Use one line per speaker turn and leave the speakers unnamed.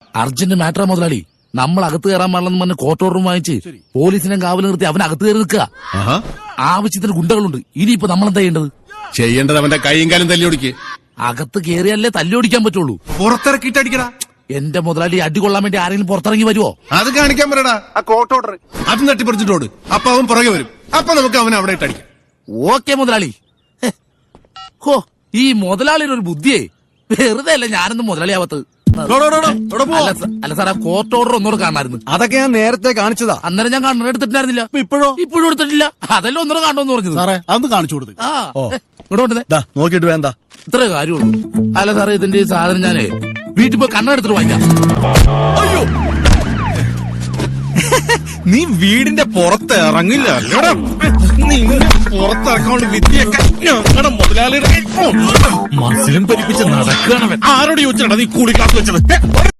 Urgent മാറ്ററാ മുതലാളി. നമ്മൾ അകത്ത് കയറാൻ പാടില്ലെന്ന് പറഞ്ഞ് കോർട്ട് ഓർഡറും വാങ്ങിച്ച് പോലീസിനെ കാവൽ നിർത്തി അവൻ അകത്ത് കയറി നിൽക്കുക. ആവശ്യത്തിന് ഗുണ്ടകളുണ്ട്. ഇനിയിപ്പോ നമ്മളെന്താ
ചെയ്യേണ്ടത് അവന്റെ കൈയും കാലും തല്ലി ഓടിക്ക്.
അകത്ത് കയറിയല്ലേ തല്ലി ഓടിക്കാൻ പറ്റുള്ളൂ.
പുറത്തിറക്കിയിട്ട് അടിക്കടാ.
എന്റെ മുതലാളി അടി കൊള്ളാൻ വേണ്ടി ആരെങ്കിലും പുറത്തിറങ്ങി വരുവോ?
അത് കാണിക്കാൻ പറയടാ. ആ കോർട്ട് ഓർഡർ അത് തട്ടിപ്പറിച്ചിട്ടോട്. അപ്പൊ അവൻ പുറകെ വരും. അപ്പൊ നമുക്ക് അവനെ അവിടെ ഇട്ടടിക്കാം.
ഓക്കെ മുതലാളി. ഹോ, ഈ മുതലാളിയുടെ ഒരു ബുദ്ധിയേ. വെറുതെ അല്ല ഞാനൊന്നും മുതലാളിയാവത്ത്. അല്ല സാർ, ആ കോർട്ട് ഓർഡർ ഒന്നുകൂടെ കാണാമായിരുന്നു.
അതൊക്കെ ഞാൻ നേരത്തെ കാണിച്ചതാ.
അന്നേരം ഞാൻ കണ്ണട എടുത്തിട്ടുണ്ടായിരുന്നില്ല. ഇപ്പോഴും എടുത്തിട്ടില്ല. അതെല്ലാം ഒന്നുകൂടെ കാണണമെന്ന് പറഞ്ഞത്.
സാറേ അതൊന്ന് കാണിച്ചു കൊടുത്തു.
ഇവിടെ കൊണ്ടുവന്നേ.
നോക്കിട്ട് വേണ്ട,
ഇത്രേ കാര്യമുള്ളൂ. അല്ല സാറേ, ഇതിന്റെ സാധനം ഞാനേ വീട്ടിൽ പോയി കണ്ണട എടുത്തിട്ട് വാങ്ങിക്കാം.
അയ്യോ, നീ വീടിന്റെ പുറത്ത് ഇറങ്ങില്ല. പുറത്തിറക്കാണ്ട് വിദ്യയൊക്കെ ഞങ്ങളുടെ മുതലാളിയുടെ മനസ്സിലും പരിപ്പിച്ച് നടക്കുകയാണ്. ആരോട് ചോദിച്ചാണ് നീ കൂടി ക്ലാസ് വെച്ചത്?